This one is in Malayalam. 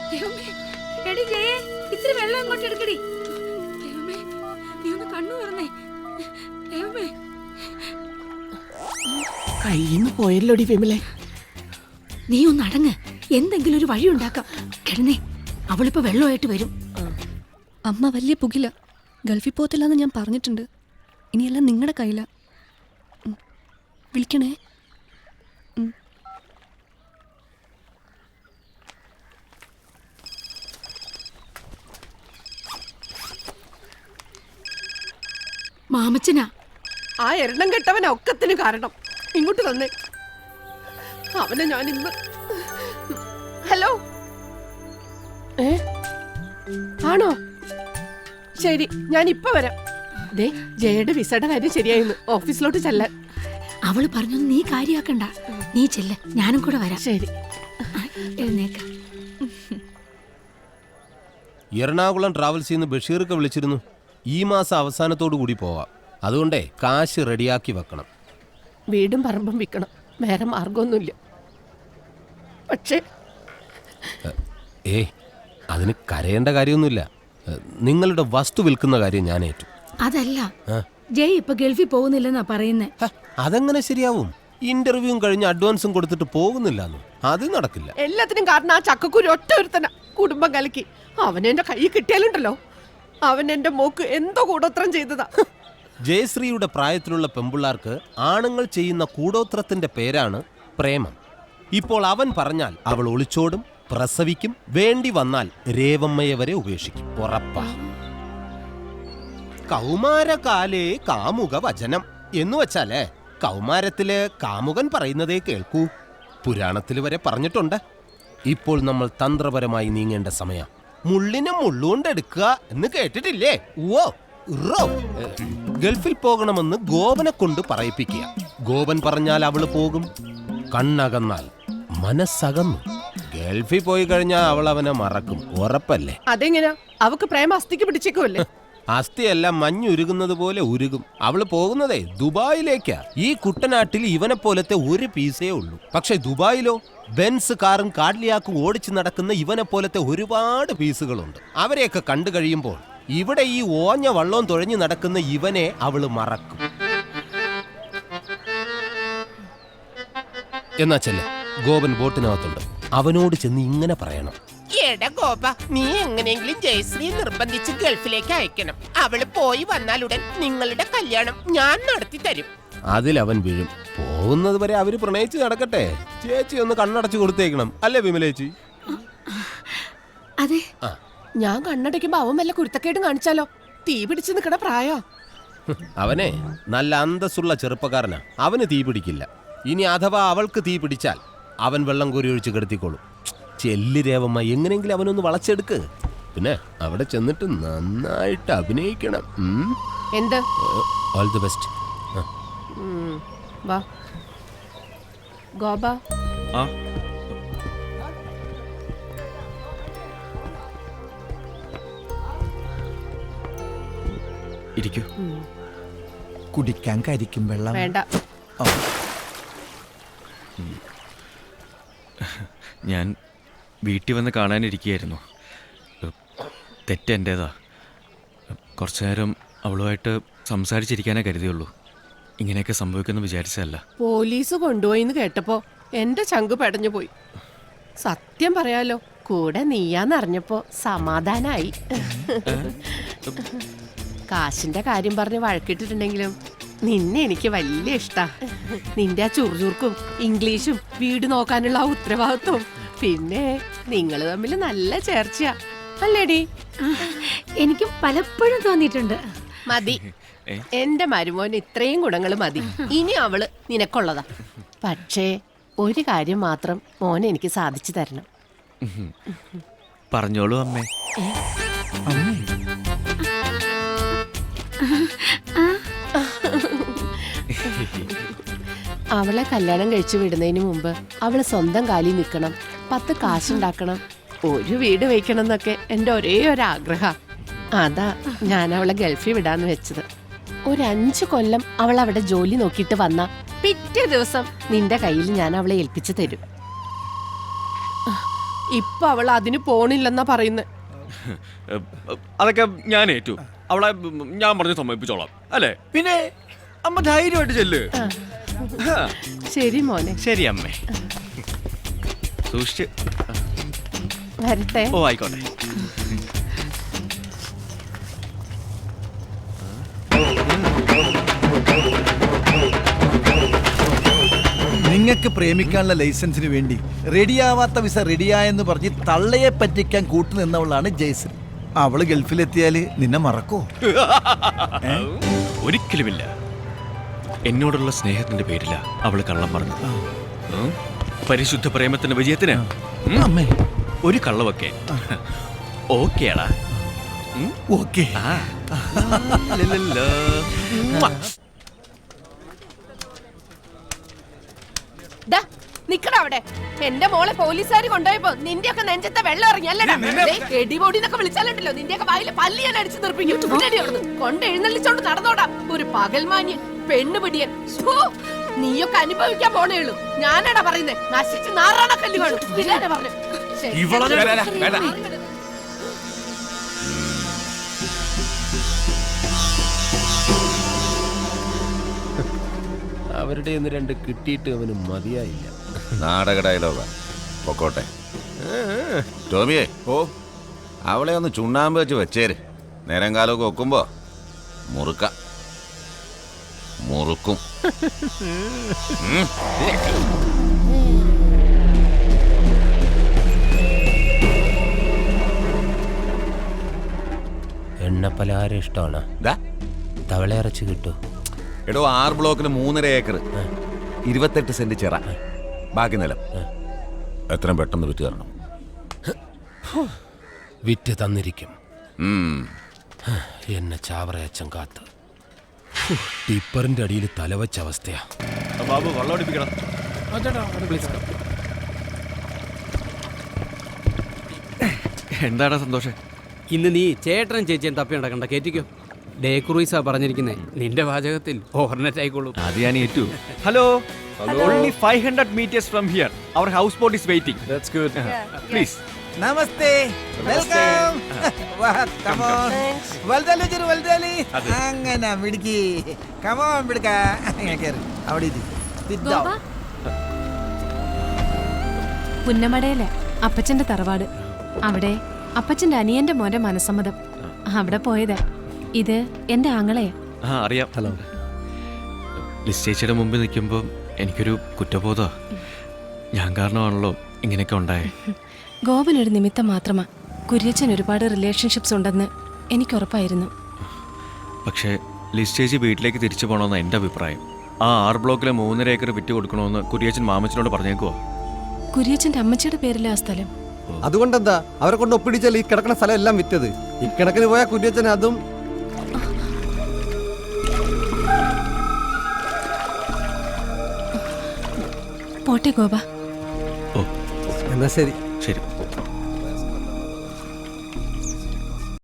എടി ജയേ, ഇത്തിരി വെള്ളം അങ്ങോട്ട് എടുക്കടി. ദൈവമേ, നീ ഒന്ന് കണ്ണു തുറന്നേ. ദൈവമേ, കയ്യിന്ന് പോയല്ലോടി വിമലെ. നീ ഒന്ന് അടങ്ങ്, എന്തെങ്കിലും ഒരു വഴി ഉണ്ടാക്കാം. കിടന്നേ, അവളിപ്പോ വെള്ളമായിട്ട് വരും. അമ്മ വലിയ പുകില, ഗൾഫിൽ പോകത്തില്ലെന്ന് ഞാൻ പറഞ്ഞിട്ടുണ്ട്. ഇനിയെല്ലാം നിങ്ങളുടെ കയ്യില. വിളിക്കണേ. മാമച്ചനാ. ആ എണ്ണം കെട്ടവൻ ഒക്കത്തിന് കാരണം. ഇങ്ങോട്ട് തന്നെ അവനെ ഞാൻ ഇന്ന്. ഹലോ, ആണോ? ശരി, ഞാൻ ഇപ്പൊ വരാം. ദേ, ജയയുടെ വിസയുടെ കാര്യം ശരിയായിരുന്നു. ഓഫീസിലോട്ട് ചെല്ലാൻ. അവള് പറഞ്ഞൊന്നും നീ കാര്യാക്കണ്ട. നീ ചെല്ല, ഞാനും കൂടെ വരാം. ശരി, എഴുന്നേക്ക. എറണാകുളം ട്രാവൽസിൽ നിന്ന് ബഷീർക്ക് വിളിച്ചിരുന്നു. ഈ മാസം അവസാനത്തോടു കൂടി പോവാം. അതുകൊണ്ടേ കാശ് റെഡിയാക്കി വെക്കണം. വീടും പറമ്പും വിൽക്കണം, വേറെ മാർഗമൊന്നുമില്ല. പക്ഷേ അതിന് കരയേണ്ട കാര്യമൊന്നുമില്ല. നിങ്ങളുടെ വസ്തു വിൽക്കുന്ന കാര്യം ഞാൻ ഏറ്റു. അതല്ല, ജയ് ഇപ്പൊ ഗൾഫിൽ പോകുന്നില്ലെന്നാ പറയുന്നേ. അതെങ്ങനെ ശരിയാവും? ഇന്റർവ്യൂവും കഴിഞ്ഞ് അഡ്വാൻസും കൊടുത്തിട്ട് പോകുന്നില്ലെന്ന്. അത് നടക്കില്ല. എല്ലാത്തിനും കാരണം ആ ചക്കക്കുരു ഒറ്റ ഒരുത്തന. കുടുംബം കലക്കി അവൻ എന്റെ കൈ കിട്ടിയാലുണ്ടല്ലോ, അവൻ എന്റെ മോക്ക് എന്തോ കൂടോത്രം ചെയ്തതാ. ജയശ്രീയുടെ പ്രായത്തിലുള്ള പെമ്പിള്ളാർക്ക് ആണുങ്ങൾ ചെയ്യുന്ന കൂടോത്രത്തിന്റെ പേരാണ് പ്രേമം. ഇപ്പോൾ അവൻ പറഞ്ഞാൽ അവൾ ഒളിച്ചോടും, പ്രസവിക്കും, വേണ്ടി വന്നാൽ രേവമ്മയെ വരെ ഉപേക്ഷിക്കും. ഉറപ്പാ. കൗമാരകാലേ കാമുക വചനം എന്ന് വെച്ചാലേ കൗമാരത്തില് കാമുകൻ പറയുന്നതേ കേൾക്കൂ. പുരാണത്തിൽ വരെ പറഞ്ഞിട്ടുണ്ട്. ഇപ്പോൾ നമ്മൾ തന്ത്രപരമായി നീങ്ങേണ്ട സമയം. മുള്ളിനെ മുള്ളുകൊണ്ടെടുക്കുക എന്ന് കേട്ടിട്ടില്ലേ? ഓ റോ. ഗൾഫിൽ പോകണമെന്ന് ഗോപനെ കൊണ്ട് പറയിപ്പിക്കുക. ഗോപൻ പറഞ്ഞാൽ അവള് പോകും. കണ്ണകന്നാൽ മനസ്സകന്നു. ഗൾഫിൽ പോയി കഴിഞ്ഞാൽ അവൾ അവനെ മറക്കും. ഉറപ്പല്ലേ? അതെങ്ങനെയാ? അവക്ക് പ്രേമ അസ്ഥിക്ക് പിടിച്ചേക്കുമല്ലേ? അസ്ഥിയെല്ലാം മഞ്ഞുരുകുന്നത് പോലെ ഉരുകും. അവള് പോകുന്നതേ ദുബായിലേക്കാ. ഈ കുട്ടനാട്ടിൽ ഇവനെ പോലത്തെ ഒരു പീസേ ഉള്ളൂ. പക്ഷെ ദുബായിലോ ബെൻസ് കാറും കാഡ്ലിയാക്കും ഓടിച്ചു നടക്കുന്ന ഇവനെ പോലത്തെ ഒരുപാട് പീസുകളുണ്ട്. അവരെയൊക്കെ കണ്ടു കഴിയുമ്പോൾ ഇവിടെ ഈ ഓഞ്ഞ വള്ളവും തുഴഞ്ഞു നടക്കുന്ന ഇവനെ അവള് മറക്കും. എന്നാ ചെല്ല, ഗോപൻ ബോട്ടിനകത്തുണ്ട്. അവനോട് ചെന്ന് ഇങ്ങനെ പറയണം: എടാ ഗോപ, നീ എങ്ങനെയെങ്കിലും ജയശ്രീ നിർബന്ധിച്ച് ഗൾഫിലേക്ക് അയക്കണം. അവള് പോയി വന്നാലുടൻ നിങ്ങളുടെ കല്യാണം ഞാൻ നടത്തി തരും. അതിലവൻ വീഴും. പോകുന്നത് വരെ അവര് പ്രണയിച്ച് നടക്കട്ടെ. ചേച്ചി ഒന്ന് കണ്ണടച്ചു കൊടുത്തേക്കണം, അല്ലേ വിമലേച്ചി? അതെ. ഞാൻ കണ്ണടയ്ക്കുമ്പോ അവൻ വല്ല കുരുത്തക്കേടും കാണിച്ചാലോ? തീ പിടിച്ച് നിക്കണ പ്രായോ. അവനെ നല്ല അന്തസ്സുള്ള ചെറുപ്പക്കാരനാ. അവന് തീ പിടിക്കില്ല. ഇനി അഥവാ അവൾക്ക് തീ പിടിച്ചാൽ അവൻ വെള്ളം കോരി ഒഴിച്ച് കിടത്തിക്കോളും. ചെല്ലി രേവമ്മ, എങ്ങനെയെങ്കിലും അവനൊന്ന് വളച്ചെടുക്ക്. പിന്നെ അവിടെ ചെന്നിട്ട് നന്നായിട്ട് അഭിനയിക്കണം. എന്ത്? All the best. വാ ഗോപ. ഇരിക്കൂ. കുടിക്കാൻ കരിക്കും വെള്ളം വേണ്ട. ഞാൻ വീട്ടിൽ വന്ന് കാണാനിരിക്കുകയായിരുന്നു. തെറ്റെൻ്റേതാ. കുറച്ചു നേരം അവളുമായിട്ട് സംസാരിച്ചിരിക്കാനേ കരുതിയുള്ളൂ. ഇങ്ങനെയൊക്കെ സംഭവിക്കുമെന്ന് വിചാരിച്ചതല്ല. പോലീസ് കൊണ്ടുപോയിന്ന് കേട്ടപ്പോ എന്റെ ചങ്ക് പെടഞ്ഞു പോയി. സത്യം പറയാലോ, കൂടെ നീയാന്നറിഞ്ഞപ്പോ സമാധാനായി. കാശിന്റെ കാര്യം പറഞ്ഞ് വഴക്കിട്ടിട്ടുണ്ടെങ്കിലും നിന്നെ എനിക്ക് വലിയ ഇഷ്ടാ. നിന്റെ ആ ചുറുചുറുക്കും ഇംഗ്ലീഷും വീട് നോക്കാനുള്ള ആ ഉത്തരവാദിത്വം, പിന്നെ നിങ്ങൾ തമ്മിൽ നല്ല ചേർച്ചയാ, അല്ലേടി? എനിക്കും പലപ്പോഴും തോന്നിയിട്ടുണ്ട്. മതി, എന്റെ മരുമോന് ഇത്രയും ഗുണങ്ങൾ മതി. ഇനി അവള് നിനക്കുള്ളതാ. പക്ഷേ ഒരു കാര്യം മാത്രം മോനെ എനിക്ക് സാധിച്ചു തരണം. പറഞ്ഞോളൂ അമ്മേ. അവളെ കല്യാണം കഴിച്ചു വിടുന്നതിന് മുമ്പ് അവള് സ്വന്തം കാലിൽ നിൽക്കണം, 10 കാശുണ്ടാക്കണം, ഒരു വീട് വയ്ക്കണം എന്നൊക്കെ എൻ്റെ ഒരേ ഒരു ആഗ്രഹം. അതാ ഞാൻ അവളെ ഗൾഫിൽ വിടാന്ന് വെച്ചത്. ഒരു 5 കൊല്ലം അവൾ അവിടെ ജോലി നോക്കിയിട്ട് വന്ന പിറ്റേ ദിവസം നിന്റെ കയ്യിൽ ഞാൻ അവളെ ഏൽപ്പിച്ചു തരും. ഇപ്പൊ അവൾ അതിന് പോണില്ലെന്നാ പറയുന്നത്. അതൊക്കെ ഞാൻ ഏറ്റു. അവളെ ഞാൻ പറഞ്ഞ് സമ്മതിപ്പിച്ചോളാം അല്ലേ? പിന്നെ അമ്മ ധൈര്യമായിട്ട് ചെല്ല്. ശരി മോനെ, ശരി അമ്മേ. സൂക്ഷിച്ച്. വരട്ടെ. ഓ ആയിക്കോട്ടെ. നിങ്ങൾക്ക് പ്രേമിക്കാനുള്ള ലൈസൻസിന് വേണ്ടി റെഡിയാവാത്ത വിസ റെഡിയായെന്ന് പറഞ്ഞ് തള്ളയെ പറ്റിക്കാൻ കൂട്ടുനിന്നവളാണ് ജയശ്രീ. അവള് ഗൾഫിലെത്തിയാല് നിന്നെ മറക്കോ? ഒരിക്കലുമില്ല. എന്നോടുള്ള സ്നേഹത്തിന്റെ പേരില അവള് കള്ളം പറഞ്ഞു. പരിശുദ്ധ പ്രേമത്തിന്റെ വിജയത്തിന് അമ്മേ ഒരു കള്ളവൊക്കെ ഓക്കേടാ. ഓക്കേ. നിക്കട അവിടെ. എന്റെ മോളെ പോലീസുകാർ കൊണ്ടുപോയപ്പോ നിന്റെയൊക്കെ നെഞ്ചത്തെ വെള്ളം ഇറങ്ങിയല്ലടാ. എടിപൊടിന്നൊക്കെ വിളിച്ചാലുണ്ടല്ലോ നിന്റെയൊക്കെ വായില് പല്ലി ഞാൻ അടിച്ചു നിർപ്പിക്കും. കൊണ്ട് എഴുന്നള്ളിച്ചോണ്ട് നടന്നോടാ ഒരു പകൽമാന്യൻ പെണ്ണുപിടിയൻ. നീയൊക്കെ അനുഭവിക്കാൻ പോണേ ഉള്ളൂ. ഞാനാടാ പറയുന്നേ, നശിച്ച് നാറാണ കല്ല് കാണും. ഇല്ലാതെ പറഞ്ഞു. അവരുടെ ഒന്ന് രണ്ട് കിട്ടിയിട്ട് അവന് മതിയായില്ല. നാടക ഡയലോഗാ. പൊക്കോട്ടെ. ടോമിയെ, ഓ അവളെ ഒന്ന് ചുണ്ണാമ്പ് വെച്ച് വെച്ചേര്. നേരം കാലമൊക്കെ വെക്കുമ്പോ മുറുക്കും. എണ്ണപ്പലഹാരം ഇഷ്ടമാണ്. തവള ഇറച്ചി കിട്ടൂ. എടോ 6 ബ്ലോക്കിന് 3.5 ഏക്കർ, 28 സെന്റ് ചിറ, ബാക്കി നിലം. എത്രയും പെട്ടെന്ന് വിറ്റ് തരണം. വിറ്റ് തന്നിരിക്കും. ഉം. എന്നെ ചാവറയച്ചൻ കാത്ത് ടിപ്പറിന്റെ അടിയിൽ തലവച്ച അവസ്ഥയാ. ബാബു വെള്ളം അടിപ്പിക്കണം. എന്താടാ സന്തോഷം? ഇന്ന് നീ ചേട്ടനും ചേച്ചിയും തപ്പി നടക്കണ്ട, കേറ്റിക്കോ. ഡേ ക്രൂയിസാ പറഞ്ഞിരിക്കുന്നേ. നിന്റെ വാചകത്തിൽ ഓവർനെറ്റ് ആയിക്കോളൂ. അത് ഞാൻ ഏറ്റു. Hello. Only 500 meters from here. Our houseboat is waiting. That's good. Please. നമസ്തേ. വെൽക്കം. Come on. വൽദാലി ജരു വൽദാലി. അങ്ങനെ മിടുക്കി. കം ഓൺ മിടുക്ക. കേറ്. അവിടെ ഇരി. ഗോപ, പുന്നമടയിലെ അപ്പച്ചന്റെ തറവാട്. അവിടെ അപ്പച്ചന്റെ അനിയന്റെ മോന്റെ മനസ്സമ്മതം. അവിടെ പോയത്. ഇത് എന്റെ ആങ്ങളെയാ. അറിയാം. ഹലോ. ലിസ് ചേച്ചിയുടെ മുമ്പിൽ നിൽക്കുമ്പോൾ എനിക്കൊരു കുറ്റബോധ. ഞാൻ കാരണമാണല്ലോ ഇങ്ങനെയൊക്കെ ഉണ്ടായേ. ഗോപനൊരു നിമിത്തം മാത്രമാ. കുര്യച്ചൻ ഒരുപാട് റിലേഷൻഷിപ്സ് ഉണ്ടെന്ന് എനിക്കുറപ്പായിരുന്നു. പക്ഷേ ലിസ് ചേച്ചി വീട്ടിലേക്ക് തിരിച്ചു പോകണമെന്ന് എൻ്റെ അഭിപ്രായം. ആ 6 ബ്ലോക്കിലെ 3.5 ഏക്കർ വിറ്റ് കൊടുക്കണമെന്ന് കുര്യച്ചൻ മാമച്ചനോട് പറഞ്ഞേക്കുവോ? കുര്യച്ചന്റെ അമ്മച്ചിയുടെ പേരിലാ സ്ഥലം. അതുകൊണ്ടെന്താ അവരെ കൊണ്ട് ഒപ്പിടിച്ചാൽ ഈ കിടക്കുന്ന സ്ഥലം എല്ലാം വിറ്റത്. ഇക്കണക്കിന് പോയ കുര്യച്ചൻ അതും. പോട്ടെ ഗോപ. ഓ എന്നാ ശരി. ശരി.